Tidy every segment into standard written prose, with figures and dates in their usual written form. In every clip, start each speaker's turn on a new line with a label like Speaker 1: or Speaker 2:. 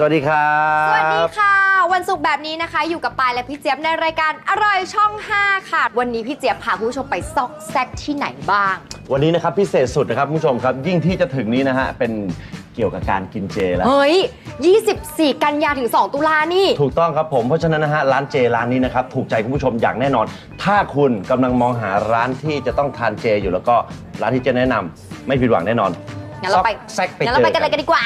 Speaker 1: วัสดีครับ
Speaker 2: สวัสดีค่ะวันศุกร์แบบนี้นะคะอยู่กับปายและพี่เจี๊ยบในรายการอร่อยช่อง 5 ค่ะวันนี้พี่เจี๊ยบพาคุณผู้ชมไปซอกแซกที่ไหนบ้าง
Speaker 1: วันนี้นะครับพิเศษสุดนะครับคุณผู้ชมครับยิ่งที่จะถึงนี้นะฮะเป็นเกี่ยวกับการกินเจแล้ว
Speaker 2: เฮ้ย24 กันยาถึง2 ตุลานี่
Speaker 1: ถูกต้องครับผมเพราะฉะนั้นนะฮะร้านเจร้านนี้นะครับถูกใจคุณผู้ชมอย่างแน่นอน ถ้าคุณกำลังมองหาร้านที่จะต้องทานเจอยู่แล้วก็ร้านที่จะแนะนำไม่ผิดหวังแน่นอน
Speaker 2: งั้นเราไปกันเลยกันดีกว่า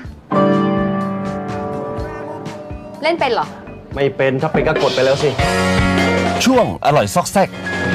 Speaker 2: เล่นเป็นเหรอ
Speaker 1: ไม่เป็นถ้าเป็นก็กดไปแล้วสิช่วงอร่อยซอกแซก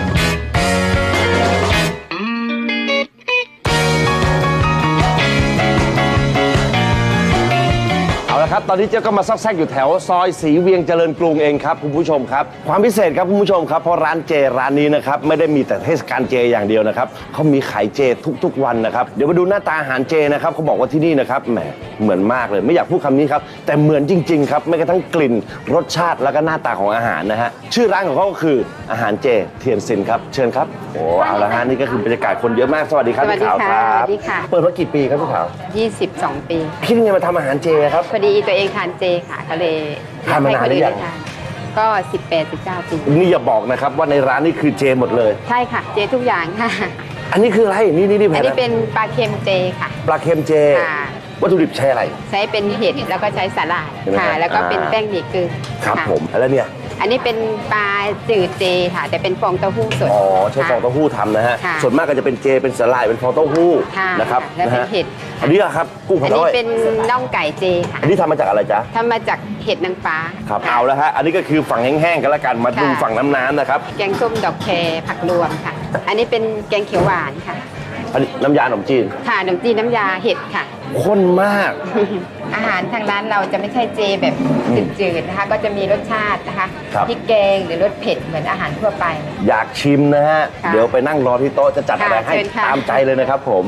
Speaker 1: ครับตอนนี้เจ๊ก็มาซอกแซกอยู่แถวซอยศรีเวียงเจริญกรุงเองครับคุณผู้ชมครับความพิเศษครับคุณผู้ชมครับเพราะร้านเจร้านนี้นะครับไม่ได้มีแต่เทศกาลเจอย่างเดียวนะครับเขามีขายเจทุกๆวันนะครับเดี๋ยวมาดูหน้าตาอาหารเจนะครับเขาบอกว่าที่นี่นะครับแหมเหมือนมากเลยไม่อยากพูดคำนี้ครับแต่เหมือนจริงๆครับไม่กระทั่งกลิ่นรสชาติแล้วก็หน้าตาของอาหารนะฮะชื่อร้านของเขาก็คืออาหารเจเทียนซินครับเชิญครับโอ้เอาละฮะนี่ก็คือบรรยากาศคนเยอะมากสวัสดีครับพี่ขาวครับ
Speaker 3: สวัสดีค่ะ
Speaker 1: เปิดมากี่ปีครับพี่ขาว
Speaker 3: 22 ปี
Speaker 1: คิดยังไงมาทำอาหารเจครับ
Speaker 3: พอดีตัวเองทานเจค่ะก็เลย
Speaker 1: ทานมานานหรือยัง
Speaker 3: ก็18-19 ปี
Speaker 1: นี่อย่าบอกนะครับว่าในร้านนี่คือเจหมดเลย
Speaker 3: ใช่ค่ะเจทุกอย่างค่ะ
Speaker 1: อันนี้คืออะไรนี่
Speaker 3: อันนี้เป็นปลาเค็มเจค่ะ
Speaker 1: ปลาเค็มเจวัตถุดิบใช้อะไร
Speaker 3: ใช้เป็นเห็ดแล้วก็ใช้สาหร่ายค่ะแล้วก็เป็นแป้งหมี่กึ่ง
Speaker 1: ครับผมแล้วเนี่ย
Speaker 3: อันนี้เป็นปลาจืดเจค่ะแต่เป็นฟองเต้าหู้สด
Speaker 1: อ๋อใช้ฟองเต้าหู้ทำนะฮะส่วนมากก็จะเป็นเจเป็นสาหร่ายเป็นฟองเต้าหู้นะครับ
Speaker 3: แล้วเป็นเห็ด
Speaker 1: อันนี้ครับกุ้งผัดอ้อย
Speaker 3: อันนี้เป็นน่องไก่เจค่ะ
Speaker 1: อันนี้ทำมาจากอะไรจ๊ะ
Speaker 3: ทำมาจากเห็ดนางฟ้า
Speaker 1: ครับเอาแล้วฮะอันนี้ก็คือฝั่งแห้งๆกันละกันมาดูฝั่งน้ำนะครับ
Speaker 3: แกงส้มดอกแคผักรวมค่ะอันนี้เป็นแกงเขียวหวานค่ะ
Speaker 1: อันนี้น้ำยาขนมจีน
Speaker 3: ค่ะขนมจีนน้ำยาเห็ดค่ะ
Speaker 1: ข้นมาก
Speaker 3: อาหารทางร้านเราจะไม่ใช่เจแบบจืดๆนะคะก็จะมีรสชาตินะคะพริกแกงหรือรสเผ็ดเหมือนอาหารทั่วไป
Speaker 1: อยากชิมนะฮะเดี๋ยวไปนั่งรอที่โต๊ะจะจัดอะไรให้ตามใจเลยนะครับผม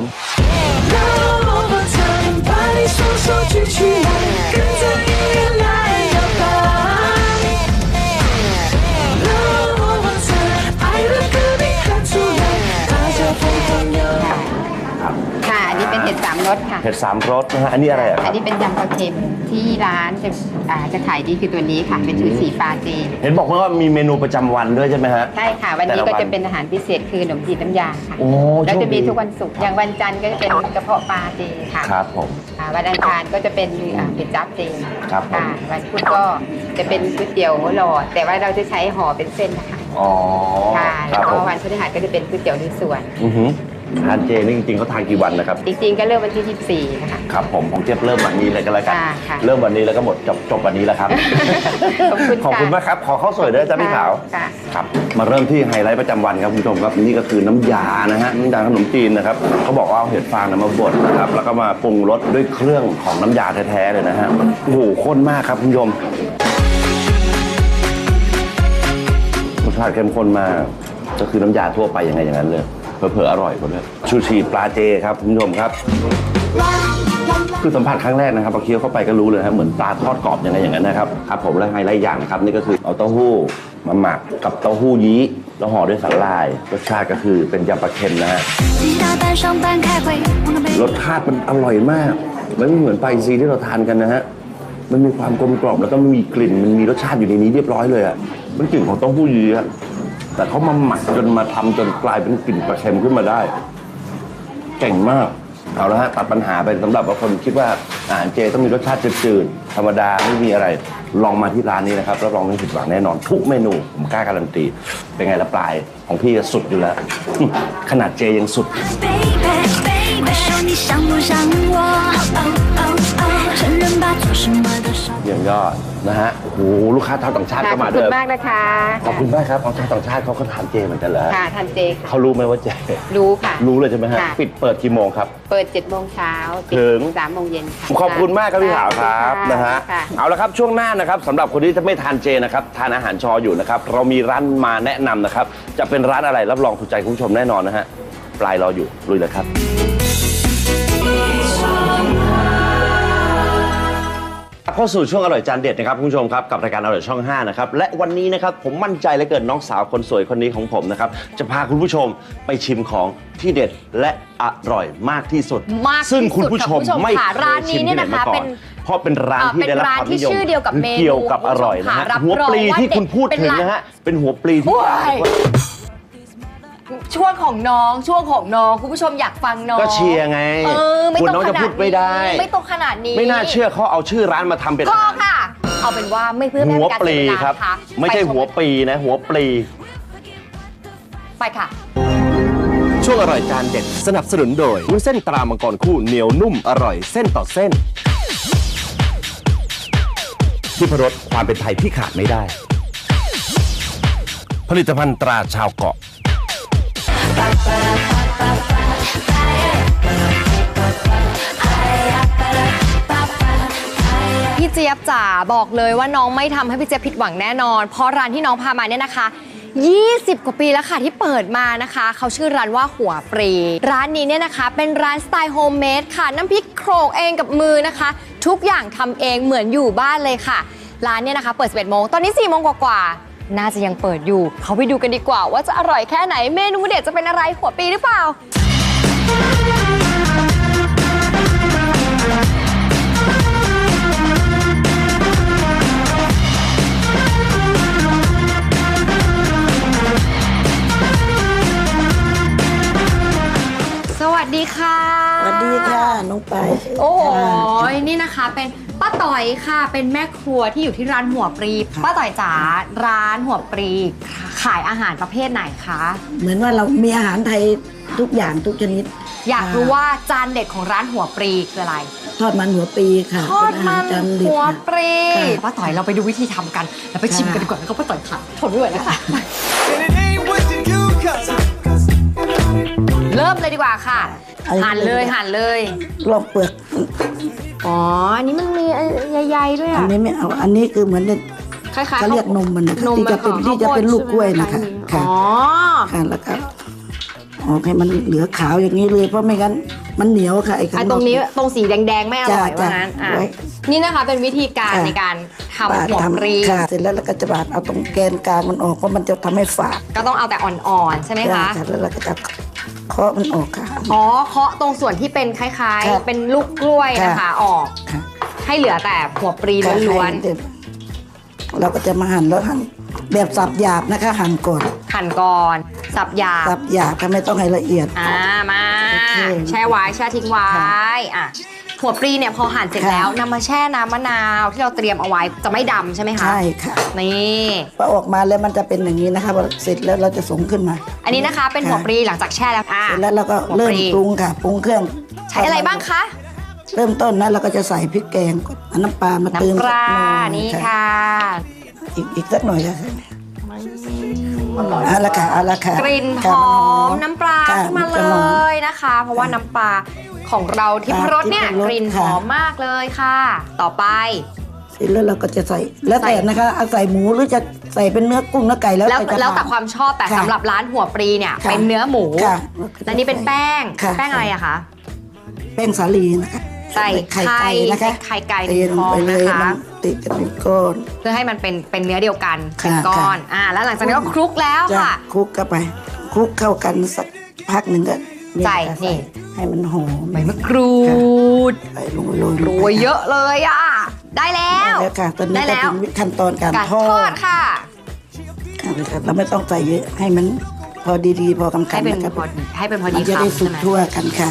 Speaker 3: ค่ะอันนี้เป็นเห็ด3 รสค่ะ
Speaker 1: เห็ด3 รสนะฮะอันนี้อะไรครับ
Speaker 3: อันนี้เป็นยำปลาเค็มที่ร้านจะขายดีคือตัวนี้ค่ะเป็นชุดสีปลาเจ
Speaker 1: เห็นบอกว่ามีเมนูประจำวันด้วยใช่ไหมฮะ
Speaker 3: ใช่ค่ะวันนี้ก็จะเป็นอาหารพิเศษคือขนมจีนน้ำยาค่ะแล้วจะมีทุกวันศุกร์อย่างวันจันทร์ก็จะเป็นกระเพาะปลาเจค่ะ
Speaker 1: ครับผม
Speaker 3: วันอังคารก็จะเป็นเป็ดจั๊บเจ
Speaker 1: ครับ
Speaker 3: ค่ะวันพุธก็จะเป็นก๋วยเตี๋ยวหลอดแต่ว่าเราจะใช้ห่อเป็นเส้นนะคะ
Speaker 1: อ๋อ
Speaker 3: ค่ะแล้วก็วันพฤหัสก็จะเป็นก๋วยเตี๋ยวลุยสวน
Speaker 1: ทานเจนี่จริงๆเขาทานกี่วันนะครับ
Speaker 3: จริงๆก็เริ่มวันที่24นะคะ
Speaker 1: ครับผมของเจี๊ยบเริ่มวันนี้เลยก็แล้วกันเริ่มวันนี้แล้วก็หมดจบวันนี้แล้วครับขอบคุณมากครับขอข้าวสวยด้วยจ้าพี่ขาวครับมาเริ่มที่ไฮไลท์ประจำวันครับคุณผู้ชมครับนี่ก็คือน้ำยานะฮะน้ำยาขนมจีนนะครับเขาบอกว่าเอาเห็ดฟางมาบดนะครับแล้วก็มาปรุงรสด้วยเครื่องของน้ำยาแท้ๆเลยนะฮะโอ้โหข้นมากครับคุณผู้ชมรสชาติเข้มข้นมากก็คือน้ำยาทั่วไปยังไงอย่างนั้นเลยเผลอๆอร่อยกว่าด้วยชูชีปลาเจครับคุณผู้ชมครับคือสัมผัสครั้งแรกนะครับพอเคี้ยวเข้าไปก็รู้เลยครับเหมือนปลาทอดกรอบยังไงอย่างนั้นนะครับครับผมและไฮไลท์อย่างนะครับนี่ก็คือเอาเต้าหู้มาหมักกับเต้าหู้ยี้แล้วห่อด้วยสาหร่ายรสชาติก็คือเป็นยำปลาเค็มนะฮะรสชาติมันอร่อยมากมันไม่เหมือนปลาอินทรีที่เราทานกันนะฮะมันมีความกลมกล่อมแล้วก็มีกลิ่นมันมีรสชาติอยู่ในนี้เรียบร้อยเลยอ่ะมันกลิ่นของเต้าหู้ยี้แต่เขามาหมักจนมาทำจนกลายเป็นกลิ่นปลาเค็มขึ้นมาได้เก่งมากเอาละฮะตัดปัญหาไปสำหรับคนคิดว่าอาหารเจต้องมีรสชาติจืดๆธรรมดาไม่มีอะไรลองมาที่ร้านนี้นะครับรับรองไม่ผิดหวังแน่นอนทุกเมนูผมกล้าการันตีเป็นไงละปลายของพี่สุดอยู่แล้วขนาดเจยังสุดอย่างยอดนะฮะโอ้โหลูกค้าชาวต่างชาติก็มาด้วย
Speaker 3: ขอบคุณมากนะคะ
Speaker 1: ขอบคุณมากครับชาวต่างชาติเขาก็ทานเจเหมือนกันเหรอ
Speaker 3: ค่ะทานเจ
Speaker 1: เขารู้ไหมว่าเจ
Speaker 3: รู้ค่ะ
Speaker 1: รู้เลยใช่ไหมฮะเปิดกี่โมงครับ
Speaker 3: เปิด7 โมงเช้า
Speaker 1: ถึง
Speaker 3: 3 โมงเย็น
Speaker 1: ขอบคุณมากครับพี่ขาวครับนะฮะเอาละครับช่วงหน้านะครับสำหรับคนที่จะไม่ทานเจนะครับทานอาหารชออยู่นะครับเรามีร้านมาแนะนำนะครับจะเป็นร้านอะไรรับรองถูกใจคุณผู้ชมแน่นอนนะฮะปลายรออยู่ลุยเลยครับเข้าสู่ช่วงอร่อยจานเด็ดนะครับคุณผู้ชมครับกับรายการอร่อยช่อง5นะครับและวันนี้นะครับผมมั่นใจเหลือเกินน้องสาวคนสวยคนนี้ของผมนะครับจะพาคุณผู้ชมไปชิมของที่เด็ดและอร่อยมากที่สุด
Speaker 2: มากที่สุด
Speaker 1: ซึ่งคุณผู้ชมไม่เค
Speaker 2: ค่ะ
Speaker 1: ย
Speaker 2: ร้านนี้
Speaker 1: ชิม
Speaker 2: เนี่
Speaker 1: ที่
Speaker 2: ย
Speaker 1: ไหน
Speaker 2: นะคะ
Speaker 1: มาก่อ
Speaker 2: เป็น น
Speaker 1: เพราะเป็นร้านที่ได้รับความนิยม
Speaker 2: เป็นร้านที่ชื่อเดียวกับเมนู
Speaker 1: เกี่ยวกับอร่อยนะฮะ
Speaker 2: รับ
Speaker 1: หัวปลี
Speaker 2: รองว่า
Speaker 1: ที่คุณพูด
Speaker 2: เป็น
Speaker 1: ถึง
Speaker 2: ร้าน
Speaker 1: นะฮะเป็นหัวปลีที่
Speaker 2: โอ้ย ช่วงของน้องคุณผู้ชมอยากฟังน้อง
Speaker 1: ก็เชียร์ไง
Speaker 2: ไม่
Speaker 1: คุณ
Speaker 2: ต้อง
Speaker 1: น้อง
Speaker 2: ข
Speaker 1: จะ
Speaker 2: นา
Speaker 1: พู
Speaker 2: ด
Speaker 1: ดไม่ได้
Speaker 2: นี้ไม่ต้องขนาดนี้
Speaker 1: ไม่น่าเชื่อเขาเอาชื่อร้านมาทำเป็น
Speaker 2: พอ
Speaker 1: อาหาร
Speaker 2: ค่ะ เอาเป็นว่าไม่เพื่อ
Speaker 1: หัว
Speaker 2: การ
Speaker 1: ปลี
Speaker 2: เสียเวลา
Speaker 1: ครับ
Speaker 2: นะคะ
Speaker 1: ไม่ใช่
Speaker 2: ปช
Speaker 1: หัวปีนะหัวปลี
Speaker 2: ไปค่ะ
Speaker 1: ช่วงอร่อยจานเด็ดสนับสนุนโดยวุ้นเส้นตรามังกรคู่เหนียวนุ่มอร่อยเส้นต่อเส้นทิพรสความเป็นไทยที่ขาดไม่ได้ ผลิตภัณฑ์ตราชาวเกาะ
Speaker 2: พี่เจี๊ยบจ๋าบอกเลยว่าน้องไม่ทำให้พี่เจี๊ยบผิดหวังแน่นอน เพราะร้านที่น้องพามาเนี่ยนะคะ 20 กว่าปีแล้วค่ะที่เปิดมานะคะ เขาชื่อร้านว่าหัวปรีร้านนี้เนี่ยนะคะเป็นร้านสไตล์โฮมเมดค่ะน้ำพริกโขลกเองกับมือนะคะ ทุกอย่างทำเองเหมือนอยู่บ้านเลยค่ะ ร้านเนี่ยนะคะเปิด 11 โมงตอนนี้ 4 โมงกว่าๆน่าจะยังเปิดอยู่เขาไปดูกันดีกว่าว่าจะอร่อยแค่ไหนเมนูเด็ดจะเป็นอะไรหัวปรีหรือเปล่าสวัสดีค่ะ
Speaker 4: สวัสดีค่ะน้องไปาย
Speaker 2: โอ้โห
Speaker 4: ค่ะ
Speaker 2: นี่นะคะเป็นป้าต่อยค่ะ เป็นแม่ครัวที่อยู่ที่ร้านหัวปรีป้าต่อยจ๋าร้านหัวปรีขายอาหารประเภทไหนคะ
Speaker 4: เหมือนว่าเรามีอาหารไทยทุกอย่างทุกชนิด
Speaker 2: อยากรู้ว่าจานเด็ดของร้านหัวปรีคืออะไร
Speaker 4: ทอดมันหัวปีค่ะ
Speaker 2: ทอดมัน
Speaker 4: เป็นอาหารจานเด็ด
Speaker 2: หัว
Speaker 4: ค่ะ
Speaker 2: ปรี
Speaker 4: ค่ะ
Speaker 2: ป้าต่อยเราไปดูวิธีทำกันแล้วไปชิมกันดีกว่าแล้วก็ป้าต่อยค่ะทนไม่ไหวแล้วค่ะ
Speaker 5: And it ain't what you do, 'cause
Speaker 2: เริ่มเลยดีกว่าค่ะ หั่นเลยหั่นเลย
Speaker 4: ลอกเปลือก
Speaker 2: อ๋ออันนี้มันมีใยๆด้วย
Speaker 4: อัน
Speaker 2: อ่ะ
Speaker 4: นี้ไม่เอาอันนี้คือเหมือน
Speaker 2: คล้ายๆ
Speaker 4: เขาเรียกนมมันนะคะ
Speaker 2: นม
Speaker 4: ที่จะเป็น
Speaker 2: ของ
Speaker 4: ที่จะเป็น
Speaker 2: ข้าวโพด
Speaker 4: ลูกกล้วยนะคะ
Speaker 2: ใช่ไหม
Speaker 4: ค่ะ
Speaker 2: อ๋อ
Speaker 4: ค่ะแล้วก็ออกให้มันเหลือขาวอย่างนี้เลยเพราะไม่งั้นมันเหนียวค่ะไอ้ข้าง
Speaker 2: ไอ้
Speaker 4: นอก
Speaker 2: ตรงนี้ตรงสีแดงๆไม่อร่อย
Speaker 4: จ้ะ
Speaker 2: ว่างั้นอ่ะ
Speaker 4: ไว้
Speaker 2: นี่นะคะเป็นวิธีการ
Speaker 4: ค่ะ
Speaker 2: ในการ
Speaker 4: ปา
Speaker 2: ทำ
Speaker 4: ด
Speaker 2: หัวปรี
Speaker 4: ค่ะเสร็จแล้วเราก็จะบาดเอาตรงแกนกลางมันออกเพราะมันจะทำให้ฝาด
Speaker 2: ก็ต้องเอาแต่อ่อนๆใช่ไหมคะ
Speaker 4: แล้วเราก็จะเคาะมันออกค่ะ
Speaker 2: อ๋อเคาะตรงส่วนที่เป็นคล้าย
Speaker 4: ค่ะ
Speaker 2: ๆ เป็นลูกกล้วยนะคะ
Speaker 4: ค่ะ
Speaker 2: ออก
Speaker 4: ค่ะ
Speaker 2: ให้เหลือแต่หัวปรีล้วน
Speaker 4: เราก็จะมาหั่นแล้วหั่นแบบสับหยาบนะคะ หั่นก่อน
Speaker 2: ๆหั่นก่อนสับหยาบ
Speaker 4: สับหยาบค่ะไม่ต้องให้ละเอียด
Speaker 2: มา
Speaker 4: โอเค
Speaker 2: แช่ไว้แช่ทิ้งไว้
Speaker 4: ค่ะ
Speaker 2: อ่ะหัวปรีเนี่ยพอหั่นเสร็จ
Speaker 4: ค่ะ
Speaker 2: แล้วนำมาแช่น้ำมะนาวที่เราเตรียมเอาไว้จะไม่ดำใช่ไหมคะ
Speaker 4: ใช่ค่ะ
Speaker 2: นี่
Speaker 4: พอออกมาแล้วมันจะเป็นอย่างนี้นะคะพอเสร็จแล้วเราจะส่งขึ้นมา
Speaker 2: อันนี้นะคะเป็นหัวปรีหลังจากแช่แล้วอ่ะ
Speaker 4: เสร็จแล้วเราก็
Speaker 2: หัว
Speaker 4: เริ่
Speaker 2: ป
Speaker 4: ม
Speaker 2: รี
Speaker 4: ปรุงค่ะปรุงเครื่อง
Speaker 2: ใช้อะไรบ้างคะ
Speaker 4: เริ่มต้นนะเราก็จะใส่พริกแกงก่อนเอาน้ำปลามาเติม
Speaker 2: น้ำปลา
Speaker 4: สักหน่อย
Speaker 2: นี่ค่ะ
Speaker 4: อีกสักหน่อยค่ะเอาละค่ะเอาละค่ะ
Speaker 2: กลิ่นห
Speaker 4: ค่ะ
Speaker 2: อ
Speaker 4: มั
Speaker 2: มน้ำปลา
Speaker 4: ค่ะ
Speaker 2: ขึ้นมา
Speaker 4: จะ
Speaker 2: เล
Speaker 4: หอม
Speaker 2: ยนะคะ เพราะว่าน้ำปลาของเราที่พรสเนี่ย
Speaker 4: ทิพรส
Speaker 2: กลิ่นห
Speaker 4: ค่ะ
Speaker 2: อมมากเลยค่ะ ต่อไป
Speaker 4: เสร็จแล้วเราก็จะใส่แล้วแต่
Speaker 2: ใส่
Speaker 4: นะคะเอาใส่หมูหรือจะใส่เป็นเนื้อกุ้งเนื้อไก่แล้ว
Speaker 2: แล้ว
Speaker 4: จะ
Speaker 2: แล้วแต่
Speaker 4: ทน
Speaker 2: ความชอบแต่
Speaker 4: ค่ะ
Speaker 2: สำหรับร้านหัวปรีเนี่ย
Speaker 4: ค่ะ
Speaker 2: เป็นเนื้อหมู
Speaker 4: ค่ะ
Speaker 2: และนี่เป็นแป้ง
Speaker 4: ค่ะ
Speaker 2: แป้งอะไรอะคะ
Speaker 4: แป้งสาลีนะคะ
Speaker 2: ใส่ไข่
Speaker 4: ไก่นะคะ
Speaker 2: ใส่ไข่ไก่
Speaker 4: เทลงไปเลย
Speaker 2: ฟองนะคะ
Speaker 4: มันติดกันเป็นก้อน
Speaker 2: เพื่อให้มันเป็นเนื้อเดียวกัน
Speaker 4: ค่ะ
Speaker 2: เป็นก้อน
Speaker 4: ค่ะ
Speaker 2: แล้วหลังจากนั้นก็คลุกแล้ว
Speaker 4: จะ
Speaker 2: ค่ะ
Speaker 4: คลุกเข้าไปคลุกเข้ากันสักพักหนึ่งก็
Speaker 2: ใส่
Speaker 4: ค่ะ
Speaker 2: นี่
Speaker 4: ให้มันหอม
Speaker 2: ใบมะกรูด
Speaker 4: ใส่ลงไปโรย
Speaker 2: โรยเยอะเลยอะได้แล้
Speaker 4: ได้
Speaker 2: ว
Speaker 4: แล้วค่ะตอนนี้
Speaker 2: ได้
Speaker 4: ก็
Speaker 2: แล้ว
Speaker 4: ถึงขั้นตอนการ
Speaker 2: การ
Speaker 4: ทอ
Speaker 2: ทอ
Speaker 4: ด
Speaker 2: ดค่ะ
Speaker 4: เอาเลยค่ะเราไม่ต้องใส่เยอะให้มันพอดีๆพอกำกั
Speaker 2: ให้
Speaker 4: น
Speaker 2: เป็น
Speaker 4: นะครับ
Speaker 2: พอดีให้เป็นพอ
Speaker 4: มั
Speaker 2: ดี
Speaker 4: นจะได้
Speaker 2: คำ
Speaker 4: สุ
Speaker 2: ใช่
Speaker 4: ก
Speaker 2: ไหม
Speaker 4: ทั่วกันค่ะ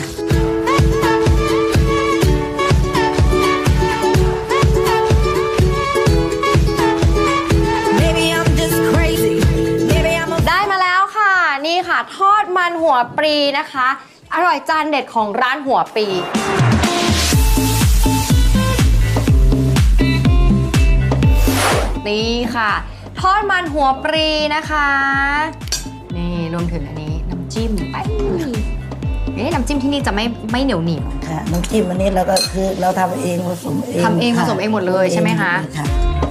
Speaker 5: maybe I'm just crazy. Maybe I'm a
Speaker 2: ได้มาแล้วค่ะ นี่ค่ะ ทอดมันหัวปรีนะคะ อร่อยจานเด็ดของร้านหัวปรีนี่ค่ะ ทอดมันหัวปรีนะคะ นี่รวมถึงอันนี้น้ำจิ้มไปน้ำจิ้มที่นี่จะไม่เหนียวหนีบ
Speaker 4: ค่ะน้ำจิ้มอันนี้เราก็คือเราทำเองผสมเอง
Speaker 2: ทำเองผสมเองหมดเลยใช่ไหมคะ
Speaker 4: ค่ะ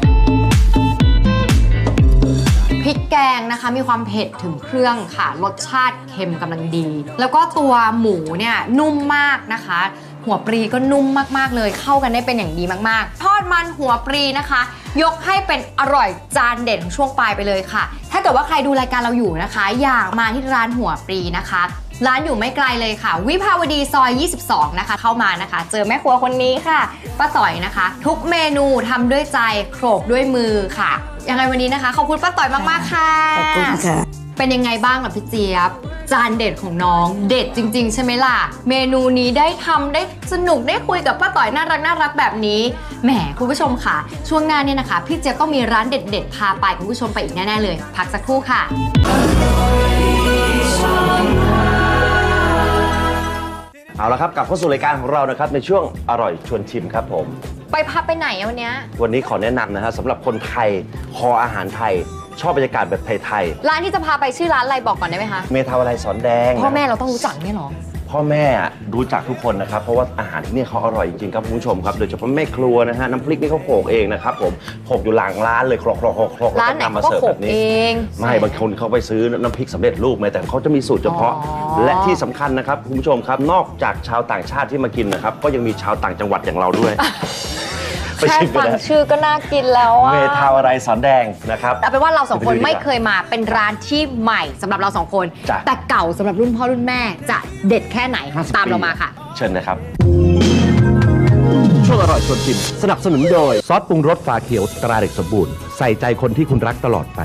Speaker 2: พริกแกงนะคะมีความเผ็ดถึงเครื่องค่ะรสชาติเค็มกำลังดี แล้วก็ตัวหมูเนี่ยนุ่มมากนะคะหัวปลีก็นุ่มมากๆเลยเข้ากันได้เป็นอย่างดีมากๆทอดมันหัวปลีนะคะ ยกให้เป็นอร่อยจานเด็ดของช่วงปลายไปเลยค่ะ ถ้าเกิดว่าใครดูรายการเราอยู่นะคะ อยากมาที่ร้านหัวปลีนะคะร้านอยู่ไม่ไกลเลยค่ะวิภาวดีซอย 22 นะคะเข้ามานะคะ เจอแม่ครัวคนนี้ค่ะป้าต่อยนะคะ ทุกเมนูทำด้วยใจโขลกด้วยมือค่ะยังไงวันนี้นะคะขอบคุณป้าต่อยมากๆค่ะ
Speaker 4: ขอบคุณค่ะ
Speaker 2: เป็นยังไงบ้างล่ะพี่เจี๊ยบจานเด็ดของน้องเด็ดจริงๆใช่ไหมล่ะเมนูนี้ได้ทำได้สนุกได้คุยกับป้าต่อยน่ารักแบบนี้แหมคุณผู้ชมค่ะช่วงหน้าเนี่ยนะคะพี่เจี๊ยบต้องมีร้านเด็ดๆพาไปคุณผู้ชมไปอีกแน่ๆเลยพักสักครู่ค่ะ
Speaker 1: เอาละครับกลับเข้าสู่รายการของเรานะครับในช่วงอร่อยชวนชิมครับผม
Speaker 2: ไปพักไปไหนอะวันเนี้ย
Speaker 1: วันนี้ขอแนะนำนะฮะสำหรับคนไทยคออาหารไทย ชอบบรรยากาศแบบไทย
Speaker 2: ร้านที่จะพาไปชื่อร้านอะไรบอกก่อนได้ไหมคะ
Speaker 1: ๆเมทาวาลัยสอนแดง
Speaker 2: พ่อแม่เราต้องรู้จักไหมหรอ
Speaker 1: พ่อแม่รู้จักทุกคนนะครับเพราะว่าอาหารที่นี่เขาอร่อยจริงๆครับคุณผู้ชมครับโดยเฉพาะแม่ครัวนะฮะน้ำพริกนี่เขาโขลกเองนะครับผมโขลกอยู่หลังร้านเลยโขลกๆๆๆ
Speaker 2: ร้านไหน
Speaker 1: แล้วก็นำมา
Speaker 2: ก็
Speaker 1: เสิร์ฟ
Speaker 2: โขล
Speaker 1: แบ
Speaker 2: ก
Speaker 1: บนี้
Speaker 2: เอง
Speaker 1: ไม่บางคนเขาไปซื้อน้ำพริกสำเร็จรูปมาแต่เขาจะมีสูตรเฉพาะ
Speaker 2: อ๋อ
Speaker 1: และที่สำคัญนะครับคุณผู้ชมครับนอกจากชาวต่างชาติที่มากินนะครับก็ยังมีชาวต่างจังหวัดอย่างเราด้วย ไป
Speaker 2: แค่
Speaker 1: ชิมกัน
Speaker 2: ฟัง
Speaker 1: นะ
Speaker 2: ชื่อก็น่ากินแล้วอะ
Speaker 1: เมทาวาลัยสอนแดงนะครับ
Speaker 2: แต่เป็นว่าเราสองคน
Speaker 1: ไปดูดีกว่า
Speaker 2: ไม่เคยมาเป็นร้านที่ใหม่สำหรับเราสองคน
Speaker 1: จ้ะ
Speaker 2: แต่เก่าสำหรับรุ่นพ่อรุ่นแม่จะเด็ดแค่ไหน
Speaker 1: 50
Speaker 2: ตามเรามาค่ะ
Speaker 1: เชิญนะครับช่วงอร่อยชวนชิมสนับสนุนโดย
Speaker 6: ซอสปรุงรสฝาเขียวตราเด็กสมบูรณ์ใส่ใจคนที่คุณรักตลอดไป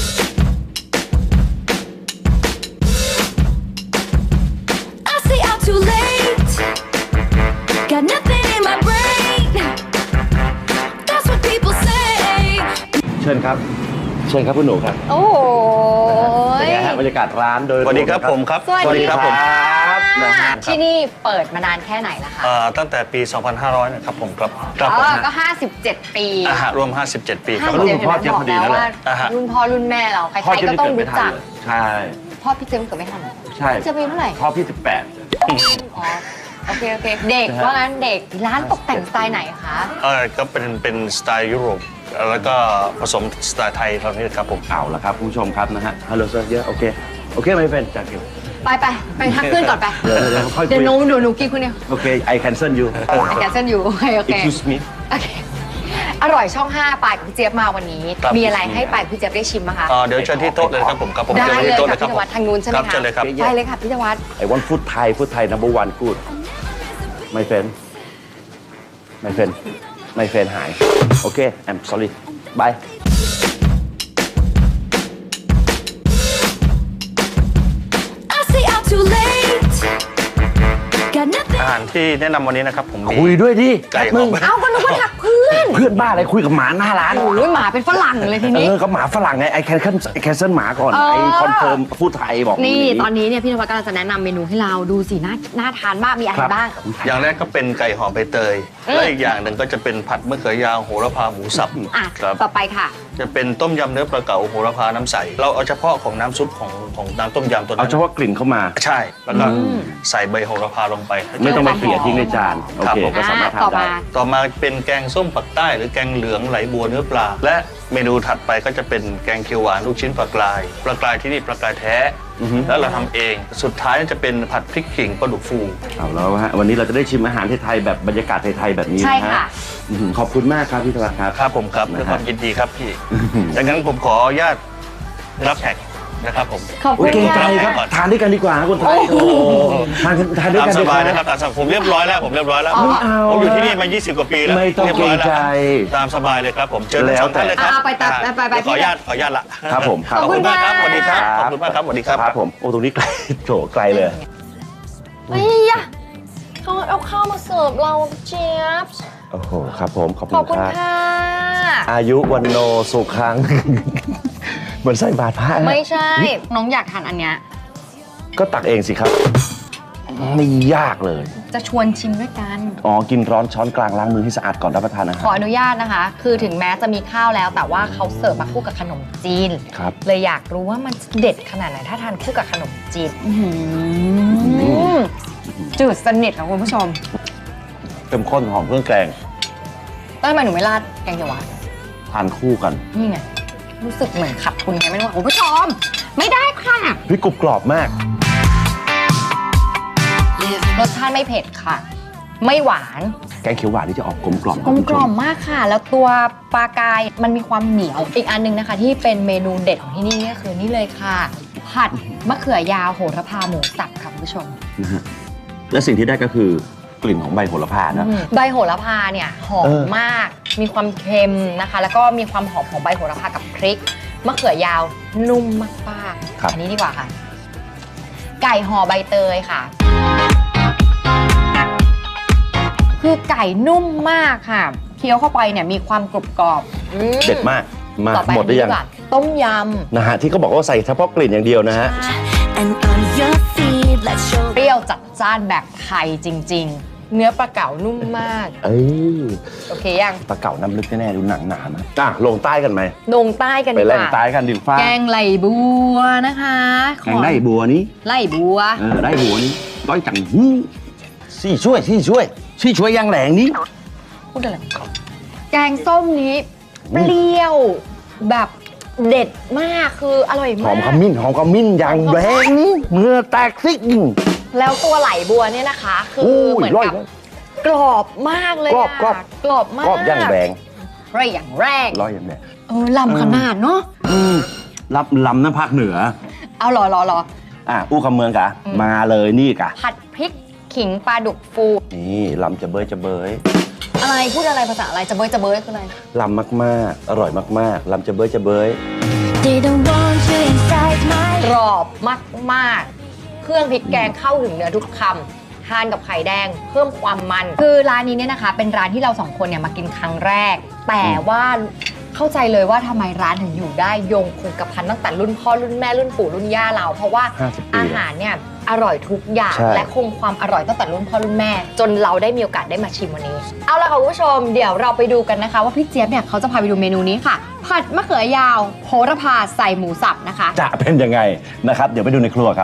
Speaker 5: I stay out too late. Got nothing in my brain. That's what people say.
Speaker 1: เชิญครับ เชิญครับคุณหนูครับ
Speaker 2: โอ้ย
Speaker 1: เป็นไงฮะบรรยากาศร้านโดย
Speaker 7: สวัสดีครับผมครับ
Speaker 2: สวัสดี
Speaker 1: ครับผมนะฮะ
Speaker 2: ที่นี่เปิดมานานแค่ไหนแล้วคะ
Speaker 7: ตั้งแต่ปี 2500 นะครับผมครับครับผม
Speaker 2: ก็ 57 ปี
Speaker 7: รวม 57 ปีครับ
Speaker 1: รุ่นพ่อเจี๊ยบพอดีนั่นแหละ
Speaker 7: อ่าฮะ
Speaker 2: รุ่นพ่อรุ่นแม่เราใคร
Speaker 1: พ่อ
Speaker 2: ๆ
Speaker 1: เจี๊ยบ
Speaker 2: ก็
Speaker 1: นี่
Speaker 2: ต้อง
Speaker 1: เกิดไม่
Speaker 2: รู้
Speaker 1: ทั
Speaker 2: จั
Speaker 1: น
Speaker 2: ก
Speaker 1: เลยใช่
Speaker 2: พ่อพี่เจี๊ยบเกิดไม่ทันเหรอ
Speaker 1: ใช่
Speaker 2: พี่เจี๊ยบอายุเท่าไหร่
Speaker 1: พ่อพี่
Speaker 2: อ๋อโอเคเด็กว่างั้นเด็กร้านตกแต่งสไตล์ไหนคะ
Speaker 7: ก็เป็นสไตล์ยุโรปแล้วก็ผสมสไตล์ไทยเท่านี้ครับผม
Speaker 1: 18เอาละครับคุณผู้ชมครับนะฮะฮัลโหลเซอร์เยอะโอเคไม่เป็นจากเกี่ยว
Speaker 2: ไปทักเพื่อนก่อนไป
Speaker 1: เดี๋ยวค่อยคุย
Speaker 2: เดี๋ยวหนูกินคนเดียว
Speaker 1: โอเค I cancel you
Speaker 2: ไอแกเส้นอยู่โอเค
Speaker 1: excuse me
Speaker 2: โอเคอร่อยช่อง 5 ปายกับพี่เจี๊ยบมาวันนี้
Speaker 7: ครับ
Speaker 2: มีอะไรให้ปายกับพี่เจี๊ยบได้ชิมไหมคะ
Speaker 7: เดี๋ยวเชิญที่โต๊ะเลยครับผมครับผม
Speaker 2: ได้
Speaker 7: เชิญ
Speaker 2: เลย
Speaker 7: ที่โต๊ะ
Speaker 2: ค่ะ
Speaker 7: เลยครับ
Speaker 2: พี่ธวัฒน์ทางนู้นใช่ไหม
Speaker 7: ครับ
Speaker 2: คะ
Speaker 7: เชิญเลยครับ
Speaker 2: ไปเลยค่ะพี่ธวัฒน์
Speaker 1: I want food Thai number one good my friendหายโอเค I'm sorry bye
Speaker 5: I stay out too late. Got nothing.
Speaker 7: อาหารที่แนะนำวันนี้นะครับผมมี
Speaker 1: คุยด้วยดิ
Speaker 7: ไก่ห
Speaker 1: มึ
Speaker 7: อง ม
Speaker 2: เอ้าก็นึกว่าทักเพื่อน
Speaker 1: เพื่อนบ้าอะไรคุยกับหมาหน้าร้าน
Speaker 2: โอ้ยหมาเป็นฝรั่งเลยทีนี้
Speaker 1: ก็หมาฝรั่งไงไอ้แคนเซิลหมาก่อน ไอ้คอนเฟิร์มพูดไทยบอก
Speaker 2: นี่ตอนนี้เนี่ยพี่ธวัฒน์กำลังจะแนะนำเมนูให้เราดูสิน่าทานมากมีอะไร
Speaker 1: ครับ
Speaker 2: บ้าง
Speaker 7: อย่างแรกก็เป็นไก่หอมใบเตย และอีกอย่างหนึ่งก็จะเป็นผัดมะเขือยาวโหระพาหมูสับ
Speaker 2: อ่ะ
Speaker 7: ครับ
Speaker 2: ต่อไปค่ะ
Speaker 7: จะเป็นต้มยำเนื้อปลาเก๋าโหระพาน้ำใส เราเอาเฉพาะของน้ำซุปของน้ำต้มยำตัว
Speaker 1: เอา
Speaker 7: นั้น
Speaker 1: เฉพาะกลิ่นเข้ามา
Speaker 7: ใช่ แล้วก็ใส่ใบโหระพาลงไป
Speaker 1: ไม่ต้องไปเกลี่ยทิ้งในจาน โอ
Speaker 7: ครับ
Speaker 1: เค
Speaker 7: ผม
Speaker 1: ก็สามารถทา
Speaker 2: ต่อน
Speaker 1: ได้
Speaker 2: มา
Speaker 7: ต่อมาเป็นแกงส้มปักใต้หรือแกงเหลืองไหลบัวเนื้อปลา และเมนูถัดไปก็จะเป็นแกงเขียวหวานลูกชิ้นปลากรายที่นี่ปลากรายแท้ แล้วเราทำเอง สุดท้ายจะเป็นผัดพริกขิงปลาดุกฟู
Speaker 1: เอาแล้วฮะวันนี้เราจะได้ชิมอาหารไทยๆแบบบรรยากาศไทยๆแบบนี้
Speaker 2: ใช่
Speaker 1: นะ
Speaker 2: ค่ะ
Speaker 1: ฮะขอบคุณมากครับพี่ธวัฒน์ครับ
Speaker 7: ครับผมครับ
Speaker 1: นะฮะ
Speaker 7: ด้วยความยินดีครับพี่ดังนั้นผมขออนุญาตรับแขกนะครับผม
Speaker 2: ขอบ
Speaker 1: โอ
Speaker 2: คุณ
Speaker 1: เคใจ
Speaker 2: ค่ะ
Speaker 1: ครับทานด้วยกันดีกว่าคนไทยโอ้โหทานด้วย
Speaker 7: ตาม
Speaker 1: กัน
Speaker 7: ส
Speaker 1: ดีก
Speaker 7: บา
Speaker 1: ว่าย
Speaker 7: นะครับตามสบายผมเรียบร้อยแล้วผมเรียบร้อยแล้ว
Speaker 1: ไม่เอา
Speaker 7: ผมอยู่ที่นี่มา 20 กว่าปีแล้ว
Speaker 1: ไม่ต้อง
Speaker 7: รียบร้ยแว
Speaker 1: เกรงใจ
Speaker 7: ตามสบายเลยครับผมเชิญ
Speaker 1: แล้ว
Speaker 7: สองท่านเลยครับ
Speaker 2: ไปตัดไป
Speaker 7: ขออนุญาตละ
Speaker 1: ครับผมครับ
Speaker 7: ขอบคุณมากครับ
Speaker 2: ข
Speaker 7: ส
Speaker 2: อบ
Speaker 7: วัส
Speaker 2: คุณ
Speaker 7: ดีครับ
Speaker 2: ค่ะ
Speaker 7: ขอบคุณมากครับสวัสดีครับ
Speaker 1: ครับผมโอ้ตรงนี้ไกลโถไกลเลย
Speaker 2: เฮ้ยอะเขาเอาข้าวมาเสิร์ฟเราเจี๊ยบ
Speaker 1: โอ้โหครับผมขอบ
Speaker 2: ขอบ
Speaker 1: คุ
Speaker 2: คุณ ณ
Speaker 1: ครับ
Speaker 2: ค่ะ
Speaker 1: อายุวันโนสุขัง เหมือนใส่บาตรพระ
Speaker 2: ไม่ใช่ น้องอยากทานอันเนี้ย
Speaker 1: ก็ตักเองสิครับ ไม่ยากเลย
Speaker 2: จะชวนชิมด้วยกัน
Speaker 1: อ๋อ กินร้อนช้อนกลางล้างมือให้สะอาดก่อนรับประทานอา
Speaker 2: ข
Speaker 1: หา
Speaker 2: อ
Speaker 1: ร
Speaker 2: อนุญาตนะคะ คือถึงแม้จะมีข้าวแล้ว แต่ว่าเขาเสิร์ฟมาคู่กับขนมจีน
Speaker 1: ครับ
Speaker 2: เลยอยากรู้ว่ามันเด็ดขนาดไหนถ้าทานคู่กับขนมจีนจืดสนิทค่ะคุณผู้ชม
Speaker 1: เข้มข้นหอมเครื่องแกง
Speaker 2: แล้วทำไมหนูไม่ราดแกงเขียวหวาน
Speaker 1: ทานคู่กัน
Speaker 2: นี่ไง รู้สึกเหมือนขัดทุนไงไม่รู้อะคุณผู้ชม ไม่ได้ค่ะ
Speaker 1: พริกกรุบกรอบมาก
Speaker 2: รสชาติไม่เผ็ดค่ะไม่หวาน
Speaker 1: แกงเขียวหวานนี่จะออกกลมกล่อม
Speaker 2: กลมกล่อมมากค่ะ แล้วตัวปลากายมันมีความเหนียว อีกอันนึงนะคะ ที่เป็นเมนูเด็ดของที่นี่ก็คือนี่เลยค่ะ ผัดมะเขือยาวโหระพาหมูสับค่ะคุณผู้ชม
Speaker 1: นะฮะและสิ่งที่ได้ก็คือกลิ่นของใบโหระพานะ
Speaker 2: ใบโหระพาเนี่ยหอมมาก มีความเค็มนะคะ แล้วก็มีความหอมของใบโหระพากับพริก มะเขือยาวนุ่มมากๆอันนี้ดีกว่าค่ะ ไก่ห่อใบเตยค่ะ คือไก่นุ่มมากค่ะ เคี้ยวเข้าไปเนี่ยมีความกรุบกรอบ
Speaker 1: เด็ดมากมา
Speaker 2: ต่อไป
Speaker 1: หมดหรือยัง
Speaker 2: อันนี้ดีกว่าต้มย
Speaker 1: นะฮะที่เขาบอกว่าใส่เฉพาะกลิ่นอย่างเดียวนะฮะ
Speaker 5: And on your feet, let's show
Speaker 2: ำเปรี้ยวจัดจ้านแบบไทยจริง ๆ เนื้อปลาเก๋านุ่มมาก
Speaker 1: เอ้ย
Speaker 2: โอเคยัง
Speaker 1: ปลาเก๋าน้ำลึกแน่ๆดูหนังหนาไหมลงใต้กันไหม
Speaker 2: ลงใต้กัน
Speaker 1: ไป
Speaker 2: ดีก
Speaker 1: แล่น
Speaker 2: ว่า
Speaker 1: ใต้กันดิฟ้า
Speaker 2: แกงไหลบัวนะคะ
Speaker 1: แกงได้บัวนี้
Speaker 2: ไหลบัว
Speaker 1: ได้บัวนี้ร้อยจังหูชี่ช่วยยังแหลงนี้
Speaker 2: พูดอะไรแกงส้มนี้เปรี้ยวแบบเด็ดมากคืออร่อย
Speaker 1: ห
Speaker 2: มา
Speaker 1: อก มขมิ้นอย่างแรงนี้เมื่อแตกซิก
Speaker 2: แล้วตัวไหลบัวเนี่ยนะคะ คือ
Speaker 1: โอ้ย
Speaker 2: เหมือน
Speaker 1: ร่อย
Speaker 2: กับกรอบมากเลย
Speaker 1: กรอบ
Speaker 2: อะกรอบมาก
Speaker 1: กรอบอย่างแรง
Speaker 2: ร่อยอย่างแรง
Speaker 1: ร้อยอย่างแรง
Speaker 2: ลำขนาดเนาะ
Speaker 1: รับลำน้ำภาคเหนือ
Speaker 2: เอารอ
Speaker 1: อู้คำเมืองกะมาเลยนี่กะ
Speaker 2: ผัดพริกขิงปลาดุกฟู
Speaker 1: นี่ลำจะเบย
Speaker 2: อะไรพูดอะไรภาษาอะไรจะเบยคืออะไร
Speaker 1: ลำมากๆอร่อยมากๆลำจะเบย
Speaker 5: Didn't want you inside my
Speaker 2: กรอบมากๆ เครื่องพริกแกงเข้าถึงเนื้อทุกคำทานกับไข่แดงเพิ่มความมัน คือร้านนี้เนี่ยนะคะ เป็นร้านที่เราสองคนเนี่ยมากินครั้งแรก แต่ว่าเข้าใจเลยว่าทำไมร้านถึงอยู่ได้ยงคงกระพันตั้งแต่รุ่นพ่อรุ่นแม่รุ่นปู่รุ่นย่าเรา เพราะว่า
Speaker 1: 50 ปี
Speaker 2: อาหารเนี่ยอร่อยทุกอย่าง
Speaker 1: ใช่
Speaker 2: และคงความอร่อยตั้งแต่รุ่นพ่อรุ่นแม่ จนเราได้มีโอกาสได้มาชิมวันนี้ เอาละค่ะคุณผู้ชมเดี๋ยวเราไปดูกันนะคะ ว่าพี่เจี๊ยบเนี่ยเขาจะพาไปดูเมนูนี้ค่ะ ผัดมะเขือยาวโหระพาใส่หมูสับนะคะ
Speaker 1: จะเป็นยังไงนะครับ เดี๋ยวไปดูในครัวครับ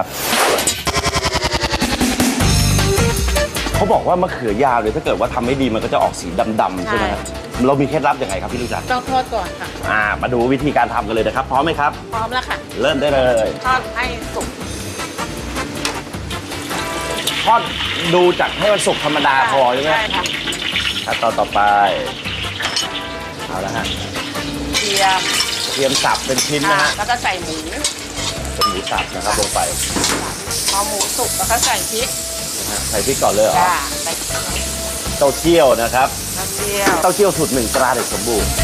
Speaker 1: เขาบอกว่ามะเขือยาวเนี่ยถ้าเกิดว่าทำไม่ดีมันก็จะออกสีดำๆใช่ไหมครับเรามีเคล็ดลับยังไงครับพี่ลูกจันทร์
Speaker 8: ต้องทอดก่อนค่ะ
Speaker 1: มาดูวิธีการทำกันเลยนะครับ พร้อมไหมครับ
Speaker 8: พร้อมแล้วค่ะ
Speaker 1: เริ่มได้เลย
Speaker 8: ทอดให้สุก
Speaker 1: ทอดดูจากให้มันสุกธรรมดาพอใช่ไหม
Speaker 8: ใช่ค่ะ
Speaker 1: ขั้นตอนต่อไปเอาละฮะ
Speaker 8: เทียม
Speaker 1: เตรียมสับเป็นชิ้นนะ
Speaker 8: ค่ะ
Speaker 1: ฮะ
Speaker 8: แล้วก็ใส่หมู
Speaker 1: เป็นหมูสับนะครับลงไป
Speaker 8: พอหมูสุกแล้วก็ใส่พริก
Speaker 1: นะฮะใส่พริกก่อนเลยเหรอ
Speaker 8: จ้าใส่
Speaker 1: เต้าเจี้ยวนะครับ
Speaker 8: กระเทียม
Speaker 1: เต้าเจี้ยวสูตร1 ตราเด็กสมบูรณ์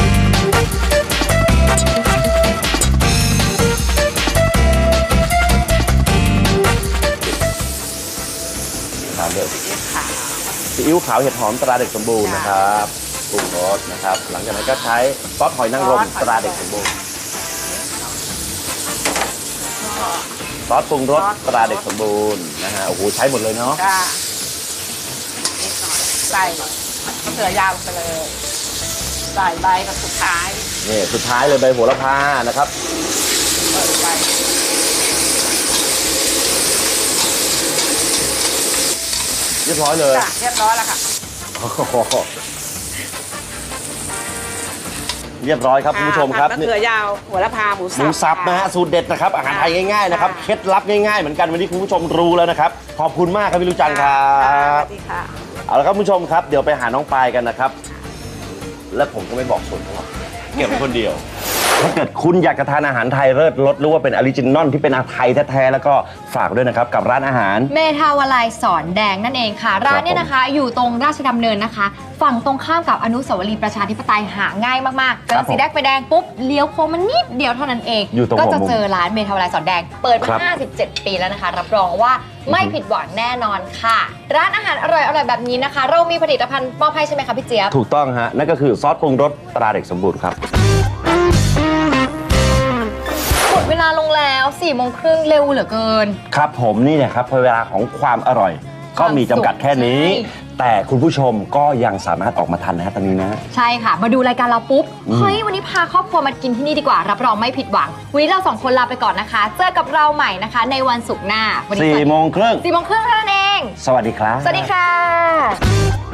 Speaker 1: ตามด้วย
Speaker 8: ซีอิ๊วขาว
Speaker 1: ซีอิ๊วขาวเห็ดหอมตราเด็กสมบูรณ์นะครับปรุงรสนะครับ หลังจากนั้นก็ใช้ซอสหอยนางรมตราเด็กสมบูรณ์ซอสปรุงรสตราเด็กสมบูรณ์นะฮะโอ้โหใช้หมดเลยเนาะ
Speaker 8: จ้านิดหน่อยใส่มะเขือยาวไปเลย ใส่ใบกับสุดท้าย
Speaker 1: นี่สุดท้ายเลยใบโหระพานะครับ
Speaker 8: เปิดใบ
Speaker 1: เรียบร้อยเลย
Speaker 8: จ้าเรียบร้อยแล้วค่ะ
Speaker 1: เรียบร้อยครับคุณผู้ชมครับ
Speaker 8: ผัดมะเขือยาวหัวละพาหมู
Speaker 1: หมูสับนะฮะสูตรเด็ดนะครับอาหารไทยง่ายๆนะครับเคล็ดลับง่ายๆเหมือนกันวันนี้คุณผู้ชมรู้แล้วนะครับขอบคุณมากครับพี่ลูกจันทร์ครั
Speaker 8: ส
Speaker 1: บ
Speaker 8: วัสดีค่ะ
Speaker 1: เอาละครับคุณผู้ชมครับเดี๋ยวไปหาน้องปายกันนะครับ และผมก็ไม่บอกสูตรหรอกเก็บไว้คนเดียว ถ้าเกิดคุณอยากจะทานอาหารไทยเลิศรสหรือว่าเป็นออริจินอลที่เป็นอาหารไทยแท้ๆแล้วก็ฝากด้วยนะครับกับร้านอาหาร
Speaker 2: เมทาวลัยสอนแดงนั่นเองค่ะ ร้านเนี่ยนะคะ อยู่ตรงราชดำเนินนะคะ ฝั่งตรงข้ามกับอนุสาวรีย์ประชาธิปไตยหาง่ายมากๆเจอสีแดงไฟแดงปุ๊บเลี้ยวโค้งมันนิดเดียวเท่านั้นเอง
Speaker 1: อยู่ตรง
Speaker 2: ก็
Speaker 1: หัว
Speaker 2: จะ
Speaker 1: มุม
Speaker 2: เจอร้านเมทาวลัยสอนแดง เปิด
Speaker 1: ครั
Speaker 2: มา
Speaker 1: บ
Speaker 2: 57 ปีแล้วนะคะ รับรองว่าไม่ผิดหวังแน่นอนค่ะ ร้านอาหารอร่อยๆแบบนี้นะคะ เรามีผลิตภัณฑ์มอบให้ใช่ไหมคะพี่เจี๊ยบ
Speaker 1: ถูกต้องฮะนั่นก็คือซอสปรุงรสตราเด็กสมบูรณ์ครับ
Speaker 2: หมดเวลาลงแล้ว4 โมงครึ่งเร็วเหลือเกิน
Speaker 1: ครับผมนี่แหละครับเวลาของความอร่อย ก็มีจำกัดแค่นี้
Speaker 2: ใช่
Speaker 1: แต่คุณผู้ชมก็ยังสามารถออกมาทันนะฮะตอนนี้นะ
Speaker 2: ใช่ค่ะ มาดูรายการเราปุ๊บ เฮ้ย วันนี้พาครอบครัวมากินที่นี่ดีกว่า รับรองไม่ผิดหวัง วันนี้เรา2 คนลาไปก่อนนะคะ เจอกับเราใหม่นะคะ ในวันศุกร์หน้า วันนี้
Speaker 1: 4 โมงครึ่ง
Speaker 2: 4 โมงครึ่งเท่านั้นเอง
Speaker 1: สวัสดีครับ
Speaker 2: สวัสดีค่ะ